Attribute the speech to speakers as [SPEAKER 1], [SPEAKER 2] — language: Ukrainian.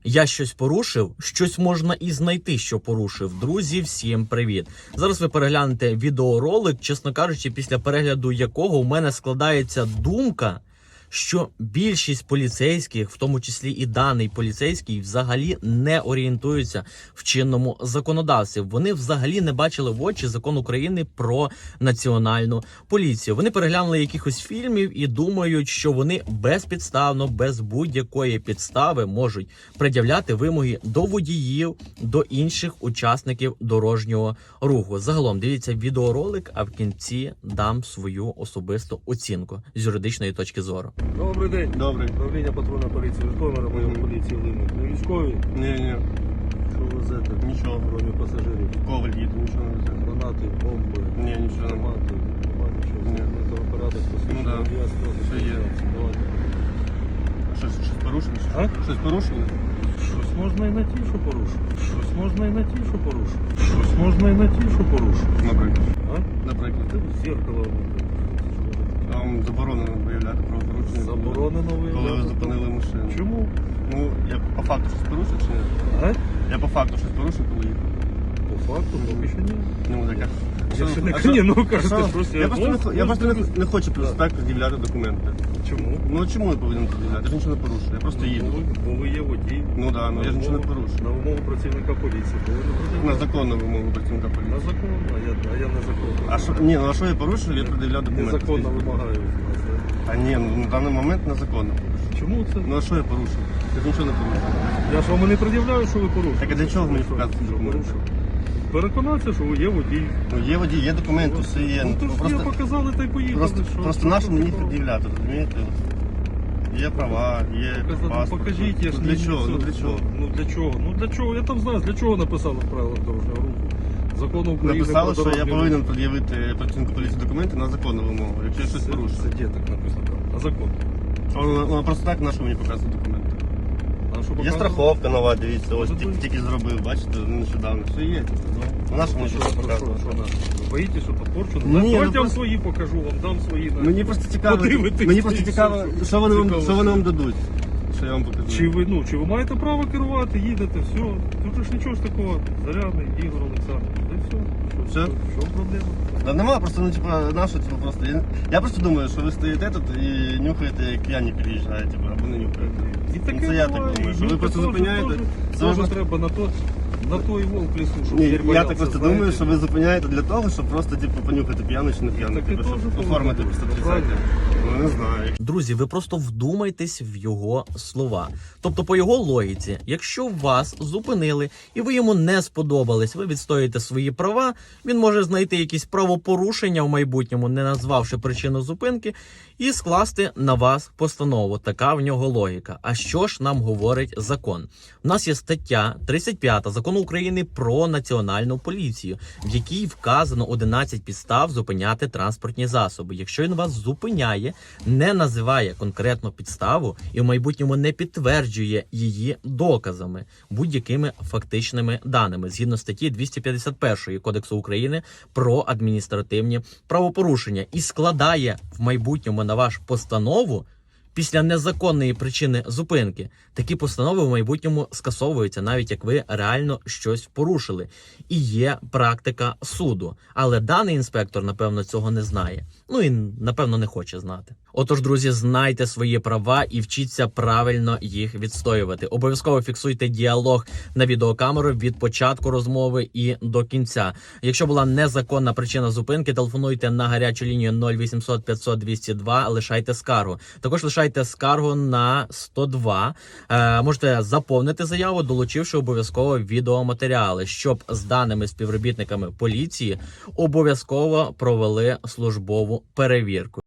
[SPEAKER 1] Я щось порушив? Щось можна і знайти, що порушив. Друзі, всім привіт! Зараз ви переглянете відеоролик, чесно кажучи, після перегляду якого у мене складається думка, що більшість поліцейських, в тому числі і даний поліцейський, взагалі не орієнтуються в чинному законодавстві. Вони взагалі не бачили в очі закон України про національну поліцію. Вони переглянули якихось фільмів і думають, що вони безпідставно, без будь-якої підстави можуть пред'являти вимоги до водіїв, до інших учасників дорожнього руху. Загалом, дивіться відеоролик, а в кінці дам свою особисту оцінку з юридичної точки зору.
[SPEAKER 2] Добрий день.
[SPEAKER 3] Добрий.
[SPEAKER 2] Управління патрульної поліції Житомира, майор поліції Линник. Не військові?
[SPEAKER 3] Ні.
[SPEAKER 2] Що везете?
[SPEAKER 3] Нічого.
[SPEAKER 2] Кроме пасажирів.
[SPEAKER 3] Коваль їде, нічого не везе.
[SPEAKER 2] Гранати, бомби.
[SPEAKER 3] Ні, нічого нема.
[SPEAKER 2] Автомати. Нема нічого.
[SPEAKER 3] Ні.
[SPEAKER 2] Металоапарати,
[SPEAKER 3] Ну да. Все є.
[SPEAKER 2] Давайте.
[SPEAKER 3] Щось порушили?
[SPEAKER 2] А?
[SPEAKER 3] Щось порушили?
[SPEAKER 2] Щось можна і на ті, що порушив. Щось можна і на ті, що порушив. Щось можна і на ті, що порушив.
[SPEAKER 3] Наприклад.
[SPEAKER 2] А?
[SPEAKER 3] Наприклад.
[SPEAKER 2] Ти в зеркало.
[SPEAKER 3] Вам заборонено виявляти правопорушення.
[SPEAKER 2] Заборонено
[SPEAKER 3] Коли ви
[SPEAKER 2] виявляти.
[SPEAKER 3] зупинили машину.
[SPEAKER 2] Чому?
[SPEAKER 3] Ну, я по факту щось порушив чи ні?
[SPEAKER 2] А?
[SPEAKER 3] Я по факту щось порушив, коли їхав.
[SPEAKER 2] По факту, поки що ні.
[SPEAKER 3] Ну, так як.
[SPEAKER 2] Якщо не ні, ну кажете, просто
[SPEAKER 3] Я просто не хочу при спеку пред'являти документи.
[SPEAKER 2] Чому?
[SPEAKER 3] Ну, чому я повинен пред'являти? Я ж нічого не порушую, я просто їду.
[SPEAKER 2] Бо ви є водій.
[SPEAKER 3] Ну так, ну я ж нічого не порушую.
[SPEAKER 2] На вимогу працівника поліції.
[SPEAKER 3] На законну вимогу працівника
[SPEAKER 2] На
[SPEAKER 3] поліції.
[SPEAKER 2] закон, а я незаконно.
[SPEAKER 3] А що, ні, ну а що я порушив, я пред'являв документи.
[SPEAKER 2] Незаконно вимагаю від вас. Да?
[SPEAKER 3] А ні, ну на даний момент незаконно.
[SPEAKER 2] Чому це?
[SPEAKER 3] Ну а що я порушив? Я ж нічого не порушив.
[SPEAKER 2] Я ж вам і не пред'являю, що ви порушили.
[SPEAKER 3] Так а для чого мені показувати
[SPEAKER 2] Що
[SPEAKER 3] документи?
[SPEAKER 2] порушив? Переконатися, що ви є водій.
[SPEAKER 3] Ну є водій, є документи, все є.
[SPEAKER 2] Ну то ж я
[SPEAKER 3] Просто,
[SPEAKER 2] показали та й поїхали.
[SPEAKER 3] просто нащо мені пред'являти, розумієте? Є права, є паспорт.
[SPEAKER 2] Покажіть, я ж
[SPEAKER 3] Ну, для чого? Ну для чого?
[SPEAKER 2] Ну для чого? Ну для чого? Я там знаю, для чого написали в правилах дорожнього руху. Закону України
[SPEAKER 3] Написали,
[SPEAKER 2] про
[SPEAKER 3] що я
[SPEAKER 2] дорожній
[SPEAKER 3] повинен
[SPEAKER 2] рух.
[SPEAKER 3] пред'явити працівнику поліції документи на законну вимогу, якщо я щось порушив.
[SPEAKER 2] Це де так написано? А закон?
[SPEAKER 3] Воно просто так, на що мені показувати документи?
[SPEAKER 2] А що
[SPEAKER 3] Є
[SPEAKER 2] показано?
[SPEAKER 3] страховка нова, дивіться, ось
[SPEAKER 2] Ну, тут-
[SPEAKER 3] тільки зробив, бачите, нещодавно. Все є. Ну на що мені
[SPEAKER 2] Що,
[SPEAKER 3] щось
[SPEAKER 2] що,
[SPEAKER 3] показувати?
[SPEAKER 2] що наше? Ви боїтесь, що подпорчу?
[SPEAKER 3] Ні,
[SPEAKER 2] Давайте
[SPEAKER 3] ну
[SPEAKER 2] я вам
[SPEAKER 3] просто-
[SPEAKER 2] свої покажу, вам дам свої.
[SPEAKER 3] Мені просто цікаво,
[SPEAKER 2] Подивитись,
[SPEAKER 3] мені просто
[SPEAKER 2] і
[SPEAKER 3] цікаво,
[SPEAKER 2] все,
[SPEAKER 3] що вони
[SPEAKER 2] цікаво.
[SPEAKER 3] вам дадуть. Що я вам покажу.
[SPEAKER 2] Чи ви маєте право керувати, їдете, все. Тут ж нічого ж такого. Зарядний Ігор Олександрович. Да і все.
[SPEAKER 3] Все?
[SPEAKER 2] Що проблема?
[SPEAKER 3] Да нема, просто, ну, типа, нащо, типа, просто. Я просто думаю, що ви стоїте тут і нюхаєте, як п'яні переїжджаєте, типа, або не нюхаєте.
[SPEAKER 2] І
[SPEAKER 3] Ну,
[SPEAKER 2] таке
[SPEAKER 3] це я
[SPEAKER 2] буває,
[SPEAKER 3] так думаю,
[SPEAKER 2] і
[SPEAKER 3] що ви
[SPEAKER 2] мені
[SPEAKER 3] просто
[SPEAKER 2] теж-
[SPEAKER 3] зупиняєте.
[SPEAKER 2] теж-
[SPEAKER 3] Це ви
[SPEAKER 2] теж треба на той волк лісу, щоб
[SPEAKER 3] Ні,
[SPEAKER 2] звір
[SPEAKER 3] я
[SPEAKER 2] боявся,
[SPEAKER 3] так просто
[SPEAKER 2] знаєте.
[SPEAKER 3] думаю, що ви зупиняєте для того, щоб просто, типу, понюхати п'яний чи не п'яний,
[SPEAKER 2] Таке
[SPEAKER 3] типу, щоб
[SPEAKER 2] теж
[SPEAKER 3] оформити
[SPEAKER 2] було.
[SPEAKER 3] просто
[SPEAKER 2] Правильно.
[SPEAKER 3] Ну, не знаю.
[SPEAKER 1] Друзі, ви просто вдумайтесь в його слова. Тобто, по його логіці, якщо вас зупинили і ви йому не сподобались, ви відстоїте свої права, він може знайти якісь правопорушення в майбутньому, не назвавши причину зупинки, і скласти на вас постанову. Така в нього логіка. А що ж нам говорить закон? У нас є стаття 35 Закону України про національну поліцію, в якій вказано 11 підстав зупиняти транспортні засоби. Якщо він вас зупиняє, не називає конкретну підставу і в майбутньому не підтверджує її доказами, будь-якими фактичними даними, згідно статті 251 Кодексу України про адміністративні правопорушення, і складає в майбутньому на ваш постанову після незаконної причини зупинки, такі постанови в майбутньому скасовуються, навіть як ви реально щось порушили. І є практика суду. Але даний інспектор, напевно, цього не знає. Ну і, напевно, не хоче знати. Отож, друзі, знайте свої права і вчіться правильно їх відстоювати. Обов'язково фіксуйте діалог на відеокамеру від початку розмови і до кінця. Якщо була незаконна причина зупинки, телефонуйте на гарячу лінію 0800 500 202, лишайте скаргу. Також лишайте скаргу на 102. Можете заповнити заяву, долучивши обов'язково відеоматеріали, щоб з даними співробітниками поліції обов'язково провели службову перевірку.